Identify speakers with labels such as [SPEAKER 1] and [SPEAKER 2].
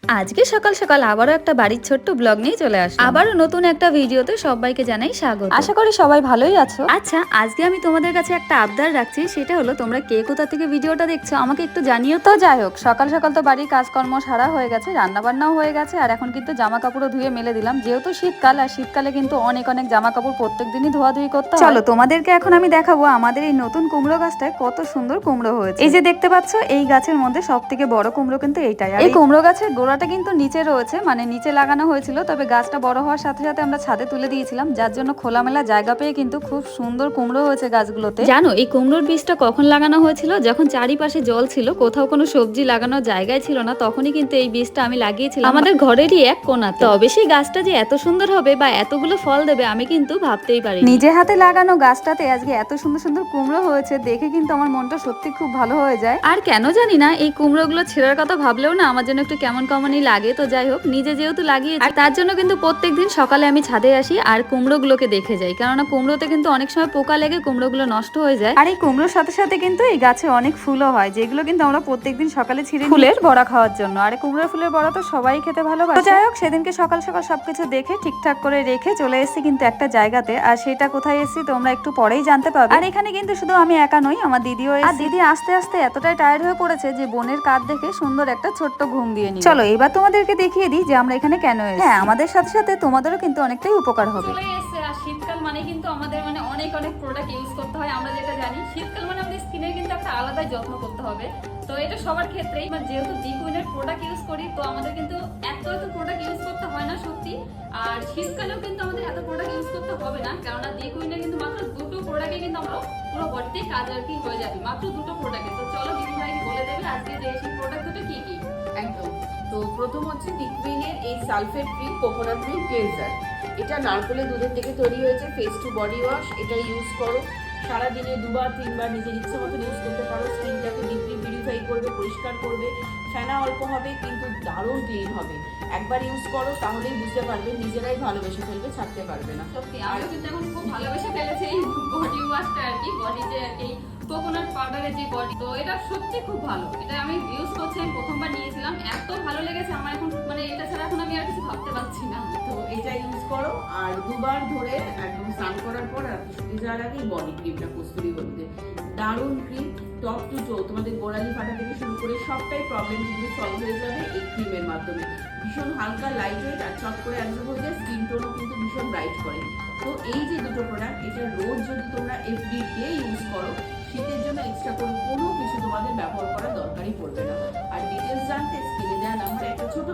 [SPEAKER 1] আজকে সকাল সকাল আবারও একটা বাড়ির ছোট্ট ব্লগ নিয়ে চলে আসলাম। আবারও নতুন একটা ভিডিওতে সবাইকে জানাই স্বাগত। আশা করি সবাই ভালোই আছো। আচ্ছা, আজকে আমি তোমাদের কাছে একটা আবদার রাখছি, সেটা হলো তোমরা কে কোথা থেকে ভিডিওটা দেখছো আমাকে একটু জানিও তো। যাই হোক, সকাল সকাল তো বাড়ির কাজকর্ম সারা হয়ে গেছে, রান্না বান্নাও হয়ে গেছে, আর এখন কিন্তু জামা কাপড়ও ধুয়ে মেলে দিলাম, যেহেতু শীতকাল, আর শীতকালে কিন্তু অনেক অনেক জামা কাপড় প্রত্যেকদিনই ধোয়াধুয়ি করতে হয়। চলো তোমাদেরকে এখন আমি দেখাবো আমাদের এই নতুন কুমড়ো গাছটায় কত সুন্দর কুমড়ো হয়েছে। এই যে দেখতে পাচ্ছ, এই গাছের মধ্যে সব থেকে বড় কুমড়ো কিন্তু এইটাই। আর এই কুমড়ো গাছের গোড়াটা কিন্তু নিচে রয়েছে, মানে নিচে লাগানো হয়েছিল, তবে গাছটা বড় হওয়ার সাথে সাথে আমরা ছাদে তুলে দিয়েছিলাম, যার জন্য খোলামেলা জায়গা পেয়ে কিন্তু খুব সুন্দর কুমড়ো হয়েছে গাছগুলোতে। জানো এই কুমড়োর বীজটা কখন লাগানো হয়েছিল? যখন চারিপাশে জল ছিল, কোথাও কোনো সবজি লাগানোর জায়গায় ছিল না, তখনই কিন্তু এই বীজটা আমি লাগিয়েছিলাম আমাদের ঘরেরই এক কোণাতে। তবে সেই গাছটা যে এত সুন্দর হবে বা এতগুলো ফল দেবে আমি কিন্তু ভাবতেই পারি। নিজে হাতে লাগানো গাছটাতে আজকে এত সুন্দর সুন্দর কুমড়ো হয়েছে দেখে কিন্তু আমার মনটা সত্যি খুব ভালো হয়ে যায়। আর কেন জানি না, এই কুমড়োগুলো ছেঁড়ার কথা ভাবলেও না আমার জন্য একটু কেমন কেমনই লাগে। তো যাই হোক, নিজে যেহেতু লাগিয়েছি, আর তার জন্য কিন্তু প্রত্যেকদিন সকালে আমি ছাদে আসি আর কুমড়োগুলোকে দেখে যাই, কেননা কুমড়োতে কিন্তু অনেক সময় পোকা লেগে কুমড়োগুলো নষ্ট হয়ে যায়। আর এই কুমড়োর সাথে সাথে কিন্তু এই গাছে অনেক ফুলও হয়, যেগুলো কিন্তু আমরা প্রত্যেকদিন সকালে ছিঁড়ে ফুলের বড়া খাওয়ার জন্য। আর কুমড়োর ফুলের বড়া তো সবাই খেতে ভালোবাসে। যাই হোক, সেদিনকে সকাল সকাল সবকিছু দেখে ঠিকঠাক করে রেখে চলে এসেছি কিন্তু একটা জায়গাতে, আর সেটা কোথায় এসেছি তোমরা একটু পরেই জানতে পারবে। আর এখানে কিন্তু শুধু আমি একা নই, আমার দিদিও এসেছে। আর দিদি আস্তে আস্তে এতটাই টায়ার্ড হয়ে পড়েছে যে বোনের কাঁধ দেখে সুন্দর একটা ছোট্ট ঘুম দিয়ে নিল। চলো এবার তোমাদেরকে দেখিয়ে দিই যে আমরা এখানে কেন এসেছি। হ্যাঁ, আমাদের সাথে সাথে তোমাদেরও কিন্তু অনেকটাই উপকার হবে।
[SPEAKER 2] চলে এসেছে, আর শীতকাল মানে কিন্তু আমাদের অনেক অনেক প্রোডাক্ট ইউজ করতে হয়। আমরা যেটা জানি, শীতকাল মানে আমাদের স্কিনের কিন্তু একটা আলাদাই যত্ন করতে হবে। তো এটা সবার ক্ষেত্রেই, যেহেতু দি কুইনের প্রোডাক্ট ইউজ করি, তো আমাদের কিন্তু এত প্রোডাক্ট ইউজ করতে হয় না সত্যি। আর শীতকালেও কিন্তু আমাদের এত প্রোডাক্ট ইউজ করতে হবে না, কেননা দি কুইনের কিন্তু মাত্র দুটো প্রোডাক্টে কিন্তু আমরা পুরো বডিতে কাজ আর কি হয়ে যাবে, মাত্র দুটো প্রোডাক্টে। তো চলো দিদি ভাই বলে দেবে আজকে যে সেই প্রোডাক্ট দুটো কি কি।
[SPEAKER 3] একদম। তো প্রথম হচ্ছে দিকউইনের এই sulphate free coconut milk cleanser. এটা নারকেলের দুধের থেকে তৈরি হয়েছে, ফেস টু বডি ওয়াশ। এটা ইউজ করো সারাদিনে দুবার তিনবার নিজের ইচ্ছে মতো ইউজ করতে পারো। স্কিনটাকে ডিপলি পিউরিফাই করবে, পরিষ্কার করবে। ফেনা অল্প হবে কিন্তু দারুণ ক্লিন হবে। একবার ইউজ করো তাহলেই বুঝতে পারবে, নিজেরাই ভালোবেসে ফেলবে, ছাড়তে পারবে না।
[SPEAKER 2] সত্যি আমিও কিন্তু এখন খুব ভালোবেসে ফেলেছি এই বডি ওয়াশটা আর কি, বডিতে এই কোকোনাট পাউডারের যে বডি, তো এটা সত্যি খুব ভালো। এটা আমি ইউজ করছি, আমি প্রথমবার নিয়েছিলাম, এত ভালো লেগেছে আমার, এখন এটা ছাড়া এখন আমি আর কিছু ভাবতে পারছি না।
[SPEAKER 3] তো এটা ইউজ করো, আর দুবার ধরে একদম স্নান করার পর আর শুকিয়ে যাওয়ার আগে বডি ক্রিমটা কস্তুরি হলুদে, দারুণ ক্রিম। টপ টু টো তোমাদের গোড়ালি ফাটা থেকে শুরু করে সবটাই প্রবলেম কিন্তু সলভ হয়ে যাবে এই ক্রিমের মাধ্যমে। ভীষণ হালকা, লাইট ওয়েট, আর চট করে অ্যাবজর্ব হয়ে যায়, স্কিন টোনও কিন্তু ভীষণ ব্রাইট করে। তো এই যে দুটো প্রোডাক্ট, এটা রোজ যদি তোমরা এভরিডে ইউজ করো, শীতের জন্য এক্সট্রা করে কোনো কিছু তোমাদের ব্যবহার করার দরকারই পড়বে না। আর ডিটেলস জানতে স্ক্রিনে দেওয়া নাম্বারে একটা ছোট